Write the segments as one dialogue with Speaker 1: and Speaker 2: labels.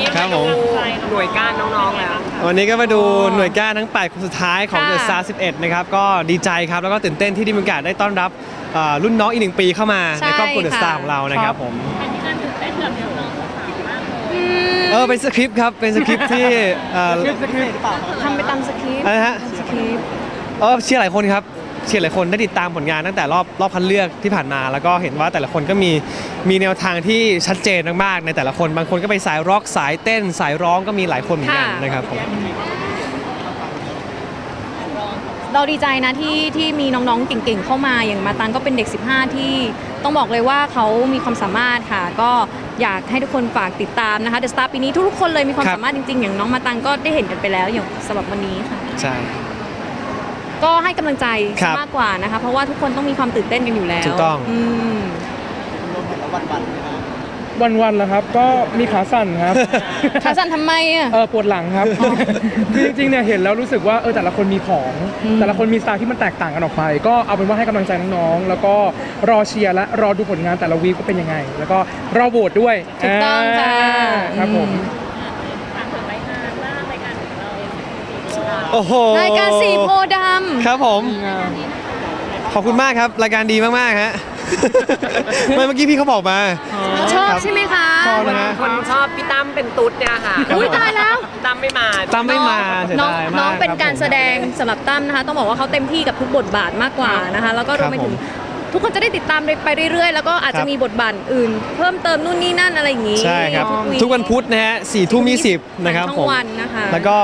Speaker 1: ครับผม
Speaker 2: หน่วยก้านน้องๆแล้ว
Speaker 1: วันนี้ก็มาดูหน่วยก้านทั้ง8คนสุดท้ายของ The Star 11นะครับก็ดีใจครับแล้วก็ตื่นเต้นที่ได้มีโอกาสได้ต้อนรับรุ่นน้องอีก1 ปีเข้ามาในครอบครัว The Star ของเรานะครับผมเป็นสคริปต์ครับเป็นสคริปต์ที่
Speaker 3: ทำไปตามสคริปต์
Speaker 1: อะไรฮะ
Speaker 3: สคริปต์
Speaker 1: เชียร์หลายคนครับเชียร์หลายคนได้ติดตามผลงานตั้งแต่รอบคัดเลือกที่ผ่านมาแล้วก็เห็นว่าแต่ละคนก็มีแนวทางที่ชัดเจนมากๆในแต่ละคนบางคนก็ไปสายร็อกสายเต้นสายร้องก็มีหลายคนเหมือนกันนะครับผม
Speaker 3: เราดีใจนะที่มีน้องๆเก่งๆเข้ามาอย่างมาตังก็เป็นเด็ก15ที่ต้องบอกเลยว่าเขามีความสามารถค่ะก็อยากให้ทุกคนฝากติดตามนะคะ The Star ปีนี้ทุกๆคนเลยมีความสามารถจริงๆอย่างน้องมาตังก็ได้เห็นกันไปแล้วอย่างสำหรับวันนี้ค่ะ
Speaker 1: ใช่
Speaker 3: ก็ให้กำลังใจมากกว่านะคะเพราะว่าทุกคนต้องมีความตื่นเต้นกันอยู่แล้ว
Speaker 1: ถูกต้อง
Speaker 4: วันๆแล้วครับก็มีขาสั่นครับ
Speaker 3: ขาสั่นทำไมอ่ะ
Speaker 4: ปวดหลังครับคือจริงๆเนี่ยเห็นแล้วรู้สึกว่าแต่ละคนมีของแต่ละคนมีสไตล์ที่มันแตกต่างกันออกไปก็เอาเป็นว่าให้กำลังใจน้องๆแล้วก็รอเชียร์และรอดูผลงานแต่ละวีคก็เป็นยังไงแล้วก็รอโหวตด้วย
Speaker 3: ถูกต้องค่ะ
Speaker 4: ครับผม
Speaker 1: โอ้โห
Speaker 3: รายการสีโพดำ
Speaker 1: ครับผมขอบคุณมากครับรายการดีมากๆฮะเมื่อกี้พี่เขาบอกมา
Speaker 3: ชอบใช่ไหมคะ
Speaker 2: คนชอบพี่ตั้มเป็นตุ๊ดเนี่ยค่ะ
Speaker 3: อุ้ยตายแล้ว
Speaker 2: ตั้มไม่มา
Speaker 3: น้องเป็นการแสดงสำหรับตั้มนะคะต้องบอกว่าเขาเต็มที่กับทุกบทบาทมากกว่านะคะแล้วก็รวมไปถึงทุกคนจะได้ติดตามไปเรื่อยๆแล้วก็อาจจะมีบทบาทอื่นเพิ่มเติมนู่นนี่นั่นอะไรอย่างนี้
Speaker 1: ใช่ครับทุกวันพุธนะฮะ4:20นะครับผมแล้วก็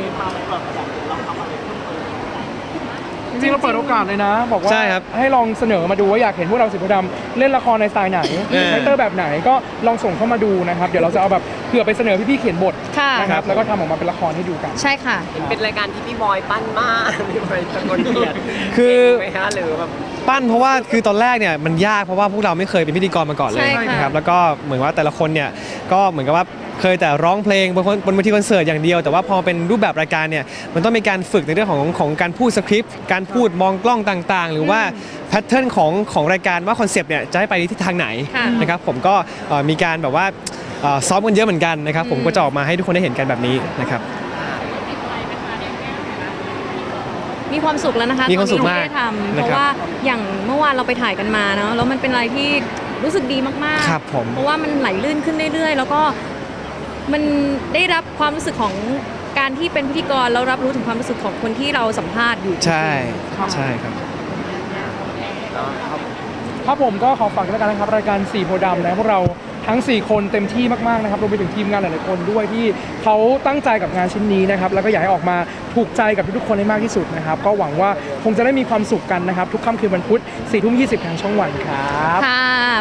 Speaker 4: จริงเราเปิดโอกาสเลยนะบอกว่าให้ลองเสนอมาดูว่าอยากเห็นพวกเราสีโพธิ์ดำเล่นละครในสไตล์ไหนคาแรคเตอร์แบบไหนก็ลองส่งเข้ามาดูนะครับเดี๋ยวเราจะเอาแบบเผื่อไปเสนอพี่ๆเขียนบทนะครับแล้วก็ทำออกมาเป็นละครให้ดูกัน
Speaker 3: ใช่ค่ะ
Speaker 2: เป็นรายการที่พี่บอยปั้นมากพี่บอยตะโกนเขียน
Speaker 1: คือ
Speaker 2: ไหมฮะหรือแบบ
Speaker 1: ปั้นเพราะว่าคือตอนแรกเนี่ยมันยากเพราะว่าพวกเราไม่เคยเป็นพิธีกรมาก่อนเลยนะครับแล้วก็เหมือนว่าแต่ละคนเนี่ยก็เหมือนกับว่าเคยแต่ร้องเพลงบนเวทีคอนเสิร์ตอย่างเดียวแต่ว่าพอเป็นรูปแบบรายการเนี่ยมันต้องมีการฝึกในเรื่องของการพูดสคริปต์การพูดมองกล้องต่างๆหรือว่าแพทเทิร์นของรายการว่าคอนเซปต์เนี่ยจะให้ไปทิศทางไหนนะครับผมก็มีการแบบว่าซ้อมกันเยอะเหมือนกันนะครับผมก็จะออกมาให้ทุกคนได้เห็นกันแบบนี้นะครับ
Speaker 3: มีความสุขแล้วนะคะ
Speaker 1: มีความสุขมาก
Speaker 3: เพราะว่าอย่างเมื่อวานเราไปถ่ายกันมาเนาะแล้วมันเป็นอะไรที่รู้สึกดีมากๆเพราะว่ามันไหลลื่นขึ้นเรื่อยๆแล้วก็มันได้รับความรู้สึกของการที่เป็นพิธีกรแล้วรับรู้ถึงความรู้สึกของคนที่เราสัมภาษณ์อยู่
Speaker 1: ใช่ครับ
Speaker 4: ครับผมก็ขอฝากด้วยกันนะครับรายการสีโพธิ์ดำนะพวกเราทั้ง4คนเต็มที่มากๆนะครับรวมไปถึงทีมงานหลายๆคนด้วยที่เขาตั้งใจกับงานชิ้นนี้นะครับแล้วก็อยากให้ออกมาถูกใจกับทุกๆคนให้มากที่สุดนะครับก็หวังว่าคงจะได้มีความสุขกันนะครับทุกค่ำคืนวันพุธ 4:20 ทางช่องวันครับ